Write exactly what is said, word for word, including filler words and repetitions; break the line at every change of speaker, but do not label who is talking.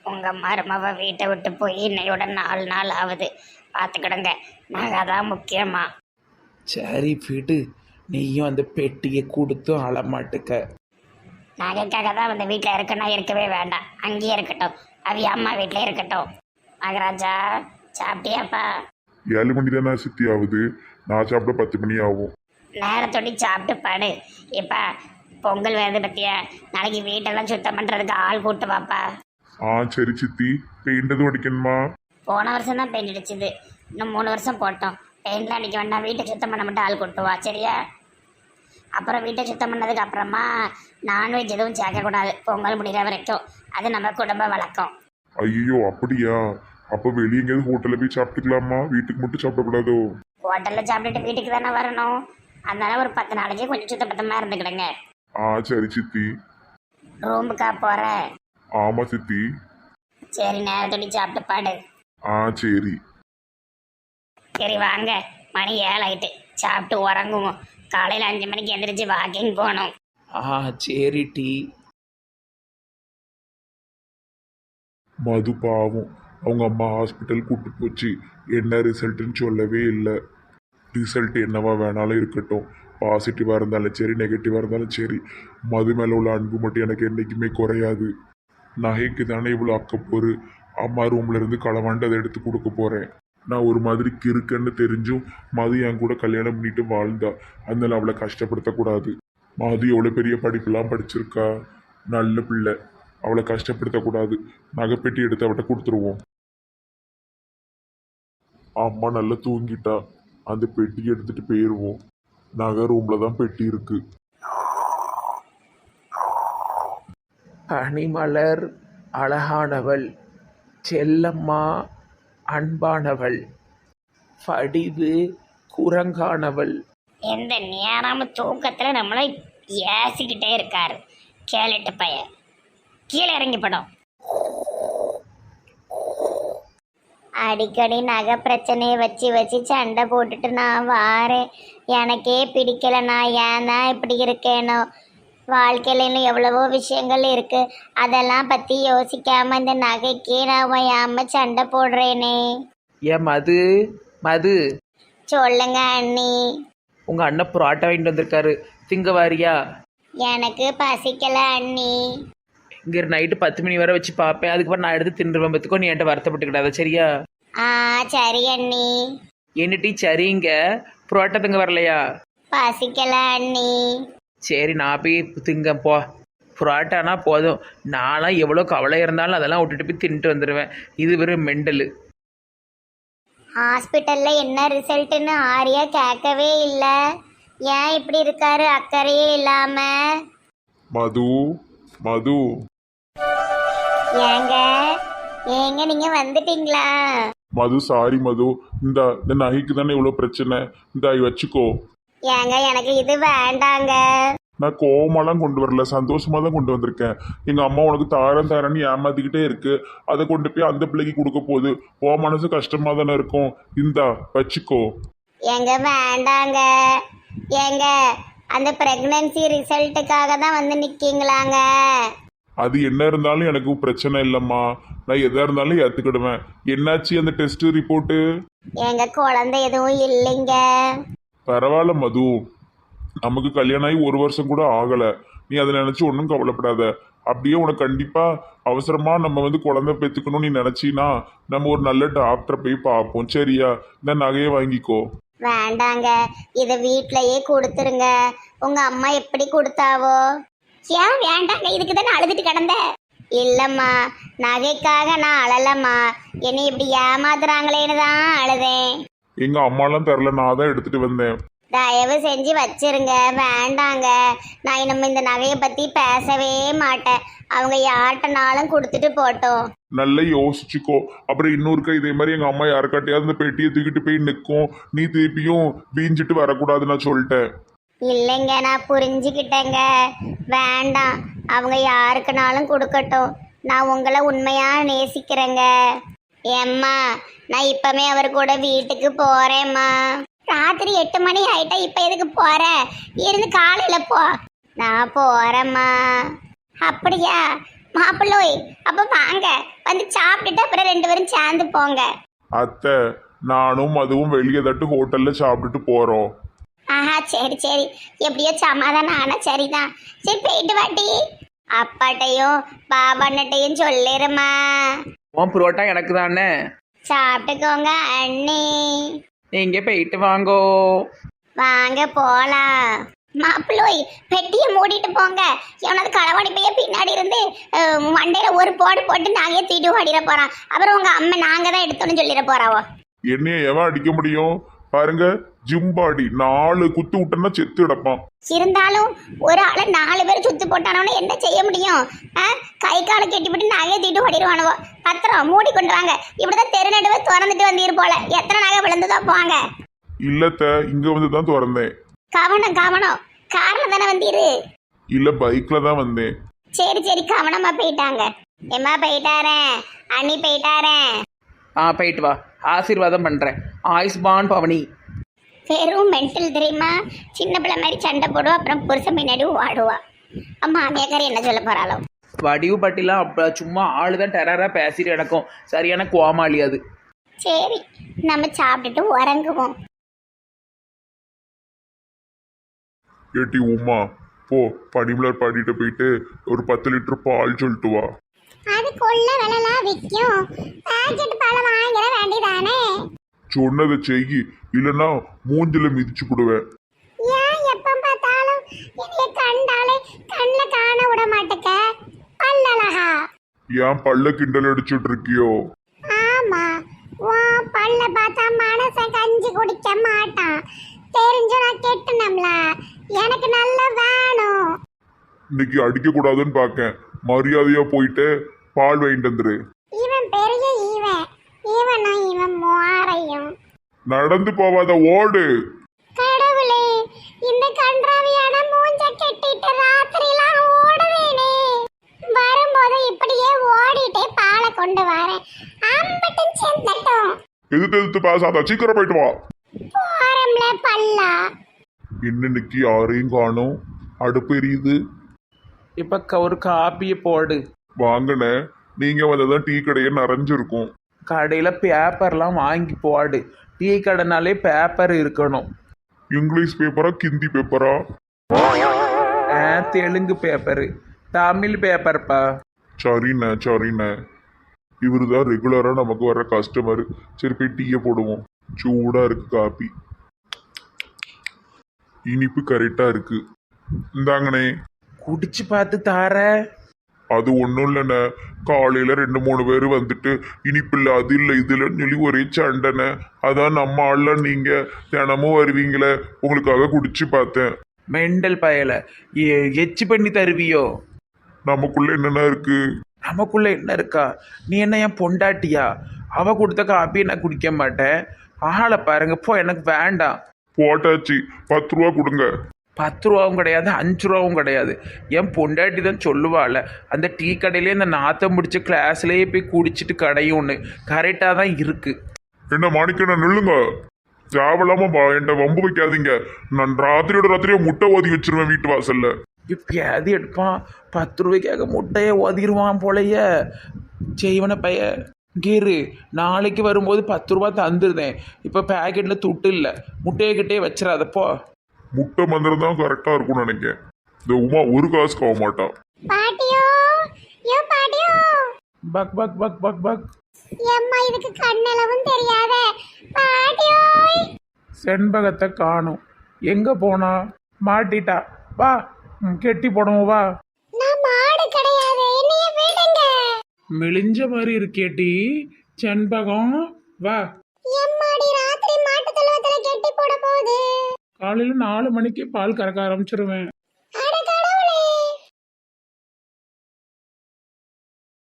உங்கள் மருமவ வீட்டை விட்டு போய் இன்னையோட நாலு நாள் ஆகுது. பார்த்துக்கிடுங்க, நாங்கள் அதான் முக்கியமா.
சரி விடு, நீயும் அந்த பெட்டியை கொடுத்தும் அழமாட்டுக்க.
நகைக்காக தான் அந்த வீட்டில் இருக்குன்னா இருக்கவே வேண்டாம், அங்கேயே இருக்கட்டும். அவி அம்மா வீட்டிலே இருக்கட்டும். மகராஜா சாப்பிட்டியாப்பா?
ஏழு மணி தானே சித்தி ஆகுது, நான் சாப்பிட பத்து மணி ஆகும்.
நேரத்தோடி சாப்பிட்டு பாடு. இப்போ பொங்கல் வருது பத்தியா, நாளைக்கு வீட்டெல்லாம் சுத்தம் பண்ணுறதுக்கு ஆள் கூட்டு வாப்பா.
ஆ சரி சித்தி. பெயிண்ட் எதுவும் அடிக்கணுமா?
போன வருஷம் தான் பெயிண்ட் அடிச்சுது, இன்னும் மூணு வருஷம் போட்டோம். பெயிண்ட்லாம் அடிக்க வேண்டாம், வீட்டை சுத்தம் பண்ண மட்டும் ஆள் கூட்டுவா சரியா? அப்புறம் வீட்டை சுத்தம் பண்ணதுக்கு அப்புறமா நான்வெஜ் எதுவும் சேர்க்கக்கூடாது பொங்கல் முடிகிற வரைக்கும். அது நம்ம குடும்ப வழக்கம்.
ஐயோ அப்படியா? அப்போ வெளியே எங்கேயாவது ஹோட்டலில் போய் சாப்பிட்டுக்கலாமா? வீட்டுக்கு மட்டும் சாப்பிடக்கூடாதோ?
ஹோட்டலில் சாப்பிட்டுட்டு வீட்டுக்கு தானே வரணும், அதனால ஒரு பத்து நாளைக்கு கொஞ்சம் சுத்த பத்தமாக இருந்துக்கிடுங்க.
ஆ சரி சித்தி.
ரூமுக்கா போகிற?
ஆமா சித்தி.
சரி, நேரத்தோடி சாப்பிட்டு பாடு.
ஆ சரி.
சரி வாங்க, மணி ஏழாயிட்டு, சாப்பிட்டு உறங்குவோம். காலையில் அஞ்சு மணிக்கு எந்திரிச்சு வாக்கிங் போகணும்.
ஆ சரி டீ.
மது பாவம், அவங்க அம்மா ஹாஸ்பிட்டல் கூட்டு போச்சு, என்ன ரிசல்ட்டுன்னு சொல்லவே இல்லை. ரிசல்ட் என்னவா வேணாலும் இருக்கட்டும், பாசிட்டிவாக இருந்தாலும் சரி நெகட்டிவாக இருந்தாலும் சரி, மது மேலே உள்ள அன்பு மட்டும் எனக்கு என்றைக்குமே குறையாது. நகைக்கு தானே இவ்வளோ அக்கப்போரு. அம்மா ரூம்ல இருந்து களவாண்டு அதை எடுத்து கொடுக்க போகிறேன். நான் ஒரு மாதிரி கிறுக்கன்னு தெரிஞ்சும் மது என் கூட கல்யாணம் பண்ணிட்டு வாழ்ந்தா, அதனால அவளை கஷ்டப்படுத்தக்கூடாது. மது எவ்வளோ பெரிய படிப்பெல்லாம் படிச்சிருக்கா, நல்ல பிள்ளை, அவளை கஷ்டப்படுத்தக்கூடாது. நகைப்பெட்டி எடுத்து அவட்ட கொடுத்துருவோம். அம்மா நல்லா தூங்கிட்டா, அந்த பெட்டி எடுத்துட்டு போயிடுவோம். நகை ரூம்ல தான் பெட்டி இருக்கு.
பனிமலர் அழகானவள், செல்லம்மா அன்பானவள், படிவு குரங்கானவள்.
எந்த நேரமும் தூக்கத்தில் நம்மளை ஏசிக்கிட்டே இருக்காரு கேளிட்டு பையன். கீழே இறங்கி படம். அடிக்கடி நகை பிரச்சனையை வச்சு வச்சு சண்டை போட்டுட்டு நான் வாரேன். எனக்கே பிடிக்கல, நான் ஏன் தான் இப்படி இருக்கேனோ. வாழ்க்கையில இன்னும் எவ்வளவோ விஷயங்கள் இருக்கு, அதெல்லாம் பற்றி யோசிக்காம இந்த நகைக்கே நான் ஏம சண்டை போடுறேனே.
ஏன் மது மது
சொல்லுங்க அண்ணி.
உங்கள் அண்ணன் புரோட்டா வாங்கிட்டு வந்திருக்காரு, திங்க வாரியா?
எனக்கு பசிக்கல அண்ணி.
இங்கே நைட்டு பத்து மணி வரை வச்சு பார்ப்பேன், அதுக்கப்புறம் நான் எடுத்து தின்றுவேன். பத்துக்கோ நீ என்கிட்ட வருத்தப்பட்டுக்கிடாத சரியா?
ஆ சரி அண்ணி.
என்ன டீ சரிங்க, புரோட்டா திங்க வரலையா?
பசிக்கல அண்ணி.
சரி நான் போய் திங்க போ. புரோட்டானா போதும், நான்லாம் எவ்வளோ கவலை இருந்தாலும் அதெல்லாம் விட்டுட்டு போய் தின்ட்டு வந்துடுவேன். இது வெறும் மெண்டலு.
ஹாஸ்பிட்டல்ல என்ன ரிசல்ட்னு ஆரியா கேட்கவே இல்லை. ஏன் இப்படி இருக்காரு அக்கறையே இல்லாம?
மது மது
ஏங்க ஏங்க நீங்க வந்துட்டீங்களா?
மது சாரி மது, இந்த இந்த நகைக்கு தானே இவ்வளோ பிரச்சனை, இந்த வச்சுக்கோ.
ஏங்க எனக்கு இது வேண்டாங்க.
நான் கோவமாலாம் கொண்டு வரல, சந்தோஷமா தான் கொண்டு வந்திருக்கேன். எங்க அம்மா உனக்கு தாரம் தாரன்னு ஏமாத்திக்கிட்டே இருக்கு, அதை கொண்டு போய் அந்த பிள்ளைக்கு கொடுக்க போகுது. ஓ மனசு கஷ்டமா தானே இருக்கும், இந்தா வச்சுக்கோ.
ஏங்க வேண்டாங்க. ஏங்க அந்த பிரெக்னன்சி ரிசல்ட்டுக்காக தான் வந்து நிக்கீங்களாங்க?
அது என்ன இருந்தாலும் எனக்கு பிரச்சனை இல்லைம்மா, நான் எதா இருந்தாலும் ஏற்றுக்கிடுவேன். என்னாச்சு அந்த டெஸ்ட் ரிப்போர்ட்டு?
எங்க குழந்தை எதுவும் இல்லைங்க.
பரவாயில்ல மது, நமக்கு கல்யாணம் ஆகி ஒரு வருஷம் கூட ஆகலை, நீ அதை நினச்சி ஒன்றும் கவலைப்படாத. அப்படியே உனக்கு கண்டிப்பாக அவசரமாக நம்ம வந்து குழந்தை பெற்றுக்கணும்னு நீ நினச்சின்னா நம்ம ஒரு நல்ல டாக்டரை போய் பார்ப்போம் சரியா? இந்த நகையை வாங்கிக்கோ.
வேண்டாங்க, இதை வீட்லயே கொடுத்துருங்க. உங்க அம்மா எப்படி கொடுத்தாவோ? ஏன் வேண்டாங்க, இதுக்கு தானே அழுதுட்டு கிடந்த. இல்லம்மா, நகைக்காக நான் அழலம்மா, என்னை இப்படி ஏமாத்துறாங்களேன்னு தான் அழுதேன்.
எங்க அம்மாலாம் தரல, நான் தான் எடுத்துட்டு வந்தேன்.
தயவு செஞ்சு வச்சிருங்க, வேண்டாங்க. நான் நம்ம இந்த நகையை பத்தி பேசவே மாட்டேன், அவங்க யார்கிட்டனாலும் கொடுத்துட்டு போட்டோம்.
நல்லா யோசிச்சுக்கோ, அப்புறம் இன்னொருக்கா இதே மாதிரி எங்க அம்மா யாருக்காட்டையாவது இந்த பெட்டியை தூக்கிட்டு போய் நிற்கும், நீ திருப்பியும் வீஞ்சிட்டு வரக்கூடாது நான் சொல்லிட்டேன்.
இல்லைங்க, நான் புரிஞ்சுக்கிட்டேங்க, வேண்டாம். அவங்க யாருக்குனாலும் கொடுக்கட்டும், நான் உங்களை உண்மையா நேசிக்கிறேங்க. ஏம்மா, நான் இப்பமே அவர் கூட வீட்டுக்கு போறேம்மா. ராத்திரி எட்டு மணி ஆயிட்டா, இப்ப எதுக்கு போற? இருந்து காலையில போ. நான் போறேம்மா. அப்படியா? மாப்பிள்ளோய் அப்ப வாங்க வந்து சாப்பிட்டுட்டு அப்புறம் ரெண்டு பேரும் சேர்ந்து போங்க.
அத்தை நானும் அதுவும் வெளியே தட்டு ஹோட்டல்ல சாப்பிட்டுட்டு போறோம்.
ஆஹா சரி சரி, எப்படியோ சமாதானம் ஆனா சரிதான். சரி போயிட்டு வாட்டி. அப்பாட்டையும் பாபாண்டையும் சொல்லிருமா.
உன் புரோட்டா எனக்கு தானே.
சாப்பிட்டுக்கோங்க அண்ணி.
நீங்க போயிட்டு வாங்கோ.
வாங்க போலாம். மாப்பிள்ளோய் பெட்டியை மூடிட்டு போங்க. எவனாவது களவாடி பைய பின்னாடி இருந்து அஹ், மண்டையில ஒரு போடு போட்டு நாங்கே தூக்கிட்டு ஓடிட போறான். அப்புறம் உங்க அம்மா நாங்க தான் எடுத்தோன்னு சொல்லிட போறாவோ.
என்னைய எவன் அடிக்க முடியும்? பாருங்க, ஜிம்பாடி நாலு குத்து விட்டோன்னா செத்து கிடப்பான்.
இருந்தாலும் ஒரு ஆளை நாலு பேர் சுத்து போட்டானவனு என்ன செய்ய முடியும்? ஆ, கை காலை கெட்டிவிட்டு நகையை தூக்கிட்டு ஓடிடுவானுவோ. பத்திரம் மூடி கொண்டு வாங்க. இப்படிதான் தெரு நடுவே திறந்துட்டு வந்தீர் போல. எத்தனை நகை விழுந்துதோ போங்க.
இல்லத்த, இங்க வந்து தான் திறந்தேன்.
கவனம் கவனம். கார்ல தானே வந்தீரு?
இல்ல பைக்ல தான் வந்தேன்.
சரி சரி, கவனமா போயிட்டாங்க. எம்மா போயிட்டாரேன், அண்ணி போயிட்டாரேன்.
ஆ போயிட்டு வா, ஆசீர்வாதம் பண்ணுறேன். ஆயுஷ்மான் பவனி.
வெறும் மென்டல் தெரியுமா? சின்ன பிள்ளை மாதிரி சண்டை போடுவா, அப்புறம் புருஷன் பின்னாடி ஓடுவா. அம்மா அம்மியாக்காரி என்ன சொல்ல போறாளோ?
வடிவு பட்டிலாம் அப்போ சும்மா ஆளு தான் டெரராக பேசிட்டு எனக்கும் சரியான கோமாளி அது.
சரி, நம்ம சாப்பிட்டுட்டு உறங்குவோம்.
ஏட்டி உமா, போ பனிமலர் பாடிட்டு போயிட்டு ஒரு பத்து லிட்டர் பால் சொல்லிட்டு வா.
அதுக்குள்ள விலைலாம் விற்கும். பாக்கெட் பால் வாங்கிட வேண்டியதானே?
சொன்னதை செய்யி, இல்லைன்னா மூஞ்சில மிதிச்சு போடுவேன்.
ஏன் எப்ப பார்த்தாலும் என்னைய கண்டாலே கண்ணில் காண விட மாட்டேக்க? பல்லழகா.
ஏன் பல்ல கிண்டல் அடிச்சுட்டு இருக்கியோ?
ஆமா, உன் பல்ல பார்த்தா மனசன் கஞ்சி குடிக்க மாட்டான். தெரிஞ்சு நான் கெட்டணும்ல, எனக்கு நல்லா வேணும்.
இன்னைக்கு அடிக்க கூடாதுன்னு பாக்கேன். மரியாதையா போயிட்டு பால் வாங்கிட்டு வந்துரு.
இவன் பெரிய இவன் இவனும் இவன் மாறையும்.
நடந்து போவாத, ஓடு.
கடவுளே, இந்த கன்றாவியான மூஞ்ச கெட்டிட்டு ராத்திரிலாம் ஓடுவேனே. வரும்போது இப்படியே ஓடிட்டே பாலை கொண்டு வரேன். அம்பட்டும் செந்தட்டும்.
எதிர்த்து எதிர்த்து பேசாத, சீக்கிரம் போயிட்டு வா.
போறம்ல பல்லா.
இன்னைக்கு யாரையும் காணும். அடுப்பு எரியுது.
இப்போ க ஒரு காப்பியை போடு.
வாங்கின நீங்க வந்ததான் டீ கடையே நிறைஞ்சிருக்கும்.
கடையில் பேப்பர்லாம் வாங்கி போடு. டீ கடைனாலே பேப்பர் இருக்கணும்.
இங்கிலீஷ் பேப்பரா ஹிந்தி பேப்பரா?
ஆ, தெலுங்கு பேப்பரு, தமிழ் பேப்பர்ப்பா.
சரிண்ணே சரிண்ணே. இவரு தான் ரெகுலரா நமக்கு வர்ற கஸ்டமர். சரி போய் டீயை போடுவோம். சூடா இருக்கு காப்பி. இனிப்பு கரெக்டா இருக்கு. இந்தாங்கண்ணே.
குடிச்சு பார்த்து தார.
அது ஒன்றும் இல்லைண்ணே, காலையில் ரெண்டு மூணு பேர் வந்துட்டு இனிப்பு இல்லை அது இல்லை இது இல்லைன்னு சொல்லி ஒரே சண்டைண்ணே. அதான் நம்ம ஆள்லாம் நீங்கள் தினமும் வருவீங்களே, உங்களுக்காக குடிச்சு பார்த்தேன்.
மெண்டல் பயலை எச்சு பண்ணி தருவியோ?
நமக்குள்ள என்னென்ன இருக்கு?
நமக்குள்ள என்ன இருக்கா? நீ என்ன என் பொண்டாட்டியா? அவ கொடுத்த காப்பியை நான் குடிக்க மாட்டேன். ஆளை பாருங்க, போ, எனக்கு வேண்டாம்.
போட்டாச்சு, பத்து ரூபா கொடுங்க.
பத்து ரூபாவும் கிடையாது, அஞ்சு ரூபாவும் கிடையாது. என் பொண்டாட்டி தான் சொல்லுவாள், அந்த டீ கடையிலே இந்த நாத்தம் முடிச்ச கிளாஸ்லேயே போய் குடிச்சிட்டு கடையும் ஒன்று கரெக்டாக தான் இருக்குது.
என்ன மாணிக்கண்ண நில்லுங்க. தேவையில்லாம என்கிட்ட வம்பு வைக்காதீங்க. நான் ராத்திரியோட ராத்திரியா முட்டை ஓதி வச்சிருவேன் வீட்டு வாசல்ல.
இப்போ அது எடுப்பான், பத்து ரூபாய்க்காக முட்டையை ஓதிடுவான் போலைய செய்வன பைய. கீரு, நாளைக்கு வரும்போது பத்து ரூபா தந்துருந்தேன். இப்போ பேக்கெட்டில் துட்டு இல்லை, முட்டையை கிட்டே வச்சிடாதப்போ.
முட்டை மந்திரம் தான் கரெக்டா இருக்கும்னு நினைக்கிறேன். இந்த உமா ஒரு காசுக்கு ஆக மாட்டான்.
பாட்டியோ, யோ பாட்டியோ.
பக் பக் பக் பக் பக்.
எம்மா, இதுக்கு கண்ணளவும் தெரியாத பாட்டியோ.
செண்பகத்தை காணும். எங்கே போனா? மாட்டிட்டா. வா, ம், கெட்டி போடுவோம் வா.
நான் மாடு கிடையாது, என்னைய விடுங்க.
மெலிஞ்ச மாதிரி இருக்கேட்டி செண்பகம். வா.
எம்மாடி, ராத்திரி மாட்டு தழுவத்துல கெட்டி போட போகுது.
காலையில் நாலு மணிக்கு பால் கறக்க ஆரம்பிச்சிருவேன்.